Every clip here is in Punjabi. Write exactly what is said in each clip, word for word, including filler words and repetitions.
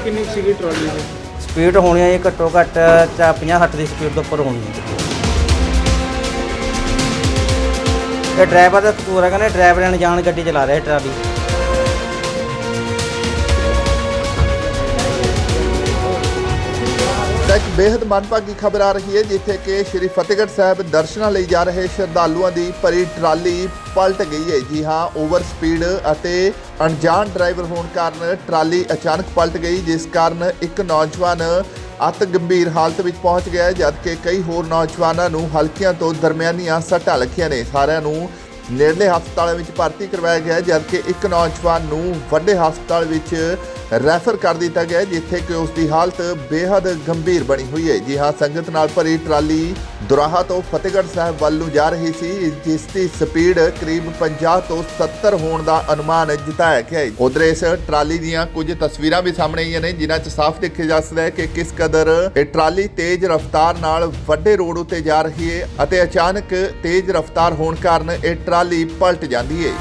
ਕਿੰਨੀ ਕੁ ਸੀਗੀ ਟਰਾਲੀ ਦੀ? स्पीड होनी है घट्टो घट्ट चा पचास सठ की स्पीड के उपर होनी है। ये ड्राइवर का कसूर है, कहने ड्राइवर अनजान गड्डी चला रहा है ट्राली। एक बेहद मनभागी खबर आ रही है जिथे कि श्री फतेहगढ़ साहब दर्शनां लई जा रहे श्रद्धालुओं की भरी ट्राली पलट गई है। जी हाँ, ओवर स्पीड अते अणजान ड्राइवर होने कारण ट्राली अचानक पलट गई, जिस कारण एक नौजवान अत गंभीर हालत में पहुंच गया, जबकि कई होर नौजवानों नूं हल्कियां तो दरमियानियां सट्टां लगियां ने। सारिआं नूं नेड़ले हस्पताल में भर्ती करवाया गया, जबकि एक नौजवान नूं वड्डे हस्पताल में रैफर कर दिया गया, जिथे कि उसकी हालत बेहद गंभीर बनी हुई है। जी हाँ, संगत नाल भरी ट्राली दुराहा तो फतेहगढ़ साहब वाल नूं जा रही सी, जिसकी स्पीड करीब पचास तो सत्तर होने का अनुमान जताया गया है। उधर इस ट्राली दीयां कुछ तस्वीरां भी सामने आईयां ने, जिन्हां च साफ देखा जा सकदा है कि किस कदर ये ट्राली तेज रफ्तार नाल वड्डे रोड उत्ते जा रही है अते अचानक तेज रफ्तार होने कारण ये ट्राली पलट जाती है।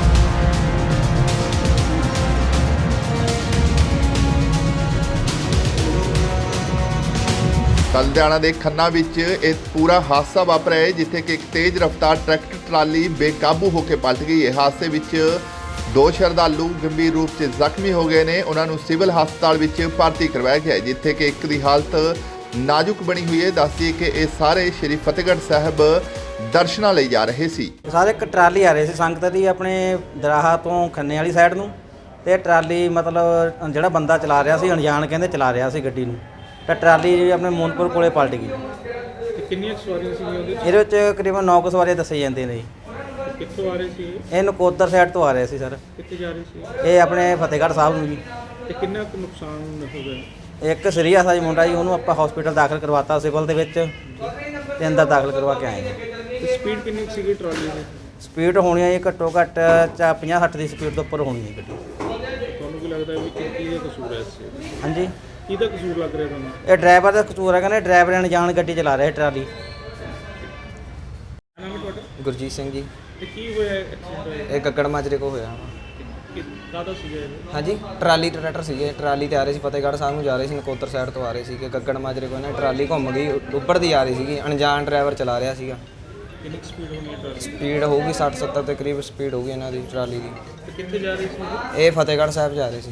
लुधियाना के खन्ना विच एक पूरा हादसा वापरिया है, जिथे कि एक तेज रफ्तार ट्रैक्टर ट्राली बेकाबू होकर पलट गई है। हादसे विच दो श्रद्धालु गंभीर रूप से जख्मी हो गए ने, उन्होंने सिविल हस्पताल विच भर्ती करवाया गया है, जिथे कि एक की हालत नाजुक बनी हुई है। दस दिए कि ये सारे श्री फतेहगढ़ साहब दर्शनां लई जा रहे सी। सारे एक ट्राली आ रहे सी संगत दी अपने दराहा तो खन्ने वाली साइड नूं, ते ट्राली मतलब जिहड़ा बंदा चला रहा सी अणजान कहंदे चला रहा सी गड्डी नूं, तो ट्राली अपने मोनपुर कोले पलट गई। कितनी सवारियां सीगीਆਂ ਉਹਦੇ ਇਹਦੇ ਵਿੱਚ ਤਕਰੀਬਨ ਨੌ ਕੁ ਸਵਾਰੀਆਂ ਦੱਸੇ ਜਾਂਦੇ ਨੇ ਜੀ। ਕਿੱਥੋਂ ਆ ਰਹੇ ਸੀ? ਇਹ ਨਕੋਦਰ ਸਾਈਡ ਤੋਂ ਆ ਰਹੇ ਸੀ ਸਰ। ਕਿੱਥੇ ਜਾ ਰਹੇ ਸੀ? ਇਹ ਆਪਣੇ ਫਤਿਹਗੜ੍ਹ ਸਾਹਿਬ ਨੂੰ ਜੀ। ਤੇ ਕਿੰਨਾ ਕੁ ਨੁਕਸਾਨ ਹੋ ਗਿਆ? ਇੱਕ ਸੀਰੀਅਸ ਆ ਜੀ ਮੁੰਡਾ ਜੀ, ਉਹਨੂੰ ਆਪਾਂ ਹਸਪੀਟਲ ਦਾਖਲ ਕਰਵਾਤਾ ਸਿਵਲ ਦੇ ਵਿੱਚ, ਤੇ ਅੰਦਰ ਦਾਖਲ ਕਰਵਾ ਕੇ ਆਏ ਜੀ। ਤੇ ਸਪੀਡ ਕਿੰਨੀ ਕੁ ਸੀਗੀ ਟਰਾਲੀ ਦੀ? ਸਪੀਡ ਹੋਣੀ ਹੈ ਜੀ ਘੱਟੋ ਘੱਟ ਚਾ ਪਚਾਸ ਸੱਠ ਦੀ ਸਪੀਡ ਤੋਂ ਉੱਪਰ ਹੋਣੀ ਹੈ ਗੱਡੀ। ਤੁਹਾਨੂੰ ਕੀ ਲੱਗਦਾ ਵੀ ਕਿ ਕੀ ਦਾ ਕਸੂਰ ਹੈ ਇਸ 'ਚ? ਹਾਂਜੀ, ਕਿਹਦਾ ਕਸੂਰ ਲੱਗ ਰਿਹਾ ਤੁਹਾਨੂੰ? ਇਹ ਡਰਾਈਵਰ ਦਾ ਕਸੂਰ ਹੈ, ਕਹਿੰਦੇ ਡਰਾਈਵਰ ਅਣਜਾਣ ਗੱਡੀ ਚਲਾ ਰਿਹਾ ਟਰਾਲੀ। ਨਾਮ ਹੈ ਤੁਹਾਡਾ? ਗੁਰਜੀਤ ਸਿੰਘ ਜੀ। ਤੇ ਕੀ ਹੋਇਆ ਐਕਸੀਡੈਂਟ ਹੋਇਆ? ਇਹ ਗੱਗੜ ਮਾਜਰੇ ਕੋ ਹੋਇਆ। ਕਿ ਕਾਹਦਾ ਸੀਗਾ ਇਹ? ਹਾਂਜੀ, ਟਰਾਲੀ ਟਰੈਕਟਰ ਸੀਗੇ, ਟਰਾਲੀ ਤੇ ਆ ਰਹੇ ਸੀ, ਫਤਿਹਗੜ੍ਹ ਸਾਹਿਬ ਨੂੰ ਜਾ ਰਹੇ ਸੀ, ਨਕੋਦਰ ਸਾਈਡ ਤੋਂ ਆ ਰਹੇ ਸੀ ਕਿ ਗੱਗੜ ਮਾਜਰੇ ਕੋ ਨਾ ਟਰਾਲੀ ਘੁੰਮ ਗਈ, ਉੱਪਰ ਦੀ ਆ ਰਹੀ ਸੀਗੀ, ਅਣਜਾਣ ਡਰਾਈਵਰ ਚਲਾ ਰਿਹਾ ਸੀਗਾ। ਕਿੰਨੀ ਸਪੀਡ ਹੋਣੀ ਹੈ ਟਰਾਲੀ? ਸਪੀਡ ਹੋਊਗੀ ਸੱਠ ਸੱਤਰ ਦੇ ਕਰੀਬ ਸਪੀਡ ਹੋਊਗੀ ਇਹਨਾਂ ਦੀ ਟਰਾਲੀ ਦੀ। ਤੇ ਕਿੱਥੇ ਜਾ ਰਹੀ ਸੀ? ਇਹ ਫਤਿਹਗੜ੍ਹ ਸਾਹਿਬ ਜਾ ਰਹੇ ਸੀ।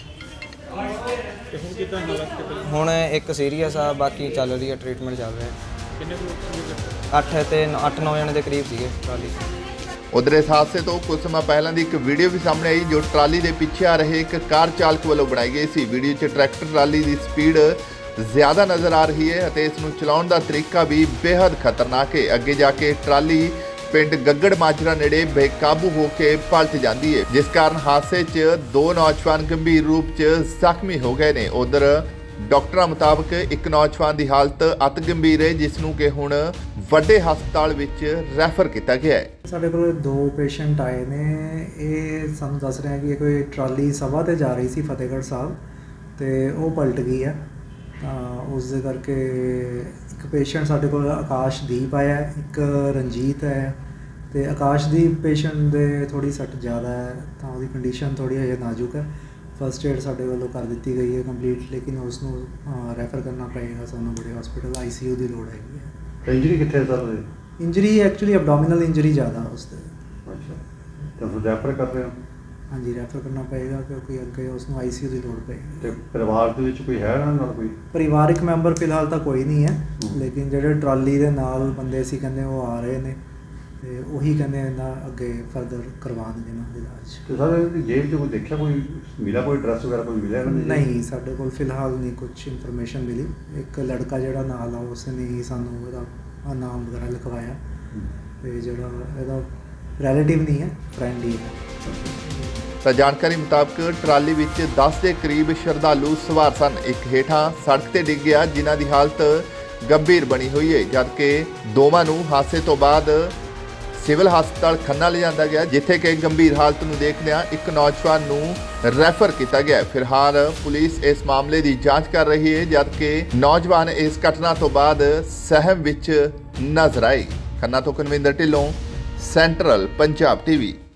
ਤੇ ਹੁਣ ਕਿੱਦਾਂ ਹਾਲਤ ਕਿੱਦਾਂ? ਹੁਣ ਇੱਕ ਸੀਰੀਅਸ ਆ, ਬਾਕੀ ਚੱਲ ਰਹੀ ਹੈ, ਟ੍ਰੀਟਮੈਂਟ ਚੱਲ ਰਿਹਾ। ਕਿੰਨੇ ਲੋਕ ਸੀਗੇ? ਅੱਠ ਤੇ ਅੱਠ ਨੌ ਜਣੇ ਦੇ ਕਰੀਬ ਸੀਗੇ ਟਰਾਲੀ। उधर इस हादसे तो कुछ समय पहले की एक वीडियो भी सामने आई, जो ट्राली के पीछे आ रहे एक कार चालक वालों बनाई गई सी। वीडियो च ट्रैक्टर ट्राली की स्पीड ज़्यादा नज़र आ रही है और इसनूं चलाउण दा तरीका भी बेहद खतरनाक है। अगे जाके ट्राली पिंड गग्गड़ माजरा नेड़े बेकाबू होकर पलट जाती है, जिस कारण हादसे च दो नौजवान गंभीर रूप से जख्मी हो गए ने। उधर डॉक्टरों मुताबिक एक नौजवान की हालत अत गंभीर है, जिसनूं कि हुण ਵੱਡੇ ਹਸਪਤਾਲ ਵਿੱਚ ਰੈਫਰ ਕੀਤਾ ਗਿਆ ਹੈ। ਸਾਡੇ ਕੋਲ ਦੋ ਪੇਸ਼ੈਂਟ ਆਏ ਨੇ, ਇਹ ਸਾਨੂੰ ਦੱਸ ਰਹੇ ਆ ਕਿ ਕੋਈ ਟਰਾਲੀ ਸਭਾ ਤੇ ਜਾ ਰਹੀ ਸੀ ਫਤਿਹਗੜ੍ਹ ਸਾਹਿਬ ਤੇ ਉਹ ਪਲਟ ਗਈ ਹੈ, ਤਾਂ ਉਸ ਦੇ ਕਰਕੇ ਇੱਕ ਪੇਸ਼ੈਂਟ ਸਾਡੇ ਕੋਲ ਆਕਾਸ਼ਦੀਪ ਆਇਆ, ਇੱਕ ਰਣਜੀਤ ਹੈ, ਤੇ ਆਕਾਸ਼ਦੀਪ ਪੇਸ਼ੈਂਟ ਦੇ ਥੋੜੀ ਸੱਟ ਜ਼ਿਆਦਾ ਹੈ, ਤਾਂ ਉਹਦੀ ਕੰਡੀਸ਼ਨ ਥੋੜੀ ਹਜੇ ਨਾਜ਼ੁਕ ਹੈ। ਫਸਟ ਏਡ ਸਾਡੇ ਵੱਲੋਂ ਕਰ ਦਿੱਤੀ ਗਈ ਹੈ ਕੰਪਲੀਟ, ਲੇਕਿਨ ਉਸ ਨੂੰ ਰੈਫਰ ਕਰਨਾ ਪਏਗਾ ਸਾਨੂੰ ਬੜੇ ਹਸਪੀਟਲ, ਆਈ ਸੀ ਯੂ ਦੀ ਲੋੜ ਹੈਗੀ ਹੈ। ਇੰਜਰੀ ਕਿੱਥੇ sir? Injury actually abdominal injury ਜ਼ਿਆਦਾ ਉਸ ਦੇ। ਅੱਛਾ, ਤਾਂ ਫਿਰ ਰੈਫਰ ਕਰ ਰਹੇ ਹੋ? ਹਾਂਜੀ, ਰੈਫਰ ਕਰਨਾ ਪਏਗਾ ਕਿਉਂਕਿ ਅੱਗੇ ਉਸ ਨੂੰ ਆਈ ਸੀ ਯੂ ਦੀ ਲੋੜ ਪਏਗੀ। ਤੇ ਪਰਿਵਾਰ ਦੇ ਵਿੱਚ ਕੋਈ ਹੈ ਨਾ ਨਾਲ ਕੋਈ? ਪਰਿਵਾਰਿਕ ਮੈਂਬਰ ਫਿਲਹਾਲ ਤਾਂ ਕੋਈ ਨਹੀਂ ਹੈ, ਲੇਕਿਨ ਜਿਹੜੇ ਟਰਾਲੀ ਦੇ ਨਾਲ ਬੰਦੇ ਸੀ ਕਹਿੰਦੇ ਉਹ ਆ ਰਹੇ ਨੇ, ਤੇ ਉਹੀ ਕਹਿੰਦੇ ਇਹਨਾਂ ਅੱਗੇ ਫਰਦਰ ਕਰਵਾਉਣਗੇ ਇਹਨਾਂ ਦਾ ਇਲਾਜ। ਤੇ ਸਰ ਜੇਬ 'ਚ ਕੋਈ ਦੇਖਿਆ, ਕੋਈ ਮਿਲਾ, ਕੋਈ ਡਰੈਸ ਵਗੈਰਾ ਕੋਈ ਮਿਲਿਆ ਇਹਨਾਂ ਦੇ? ਨਹੀਂ, ਸਾਡੇ ਕੋਲ ਫਿਲਹਾਲ ਨਹੀਂ ਕੁਝ ਇਨਫੋਰਮੇਸ਼ਨ ਮਿਲੀ। ਇੱਕ ਲੜਕਾ ਜਿਹੜਾ ਨਾਲ ਆ ਉਸ ਨੇ ਹੀ ਸਾਨੂੰ ਇਹਦਾ ਨਾਮ ਵਗੈਰਾ ਲਿਖਵਾਇਆ, ਤੇ ਜਿਹੜਾ ਇਹਦਾ ਰਿਲੇਟਿਵ ਨਹੀਂ ਹੈ, ਫਰੈਂਡ ਹੀ ਹੈ। ਤਾਂ ਜਾਣਕਾਰੀ ਮੁਤਾਬਕ ਟਰਾਲੀ ਵਿੱਚ ਦਸ ਦੇ ਕਰੀਬ ਸ਼ਰਧਾਲੂ ਸਵਾਰ ਸਨ। ਇੱਕ ਹੇਠਾਂ ਸੜਕ ਤੇ ਡਿੱਗ ਗਿਆ, ਜਿਨ੍ਹਾਂ ਦੀ ਹਾਲਤ ਗੰਭੀਰ ਬਣੀ ਹੋਈ ਹੈ, ਜਦਕਿ ਦੋਵਾਂ ਨੂੰ ਹਾਦਸੇ ਤੋਂ ਬਾਅਦ ਸਿਵਲ ਹਸਪਤਾਲ ਖੰਨਾ ਲਿਜਾਂਦਾ ਗਿਆ, ਜਿੱਥੇ ਕਿ ਗੰਭੀਰ ਹਾਲਤ ਨੂੰ ਦੇਖਦਿਆਂ ਇੱਕ ਨੌਜਵਾਨ ਨੂੰ ਰੈਫਰ ਕੀਤਾ ਗਿਆ। ਫਿਲਹਾਲ ਪੁਲਿਸ ਇਸ ਮਾਮਲੇ ਦੀ ਜਾਂਚ ਕਰ ਰਹੀ ਹੈ, ਜਦਕਿ ਨੌਜਵਾਨ ਇਸ ਘਟਨਾ ਤੋਂ ਬਾਅਦ ਸਹਿਮ ਵਿੱਚ ਨਜ਼ਰ ਆਏ। ਖੰਨਾ ਤੋਂ ਕਨਵਿੰਦਰ ਢਿੱਲੋਂ, ਸੈਂਟਰਲ ਪੰਜਾਬ ਟੀਵੀ।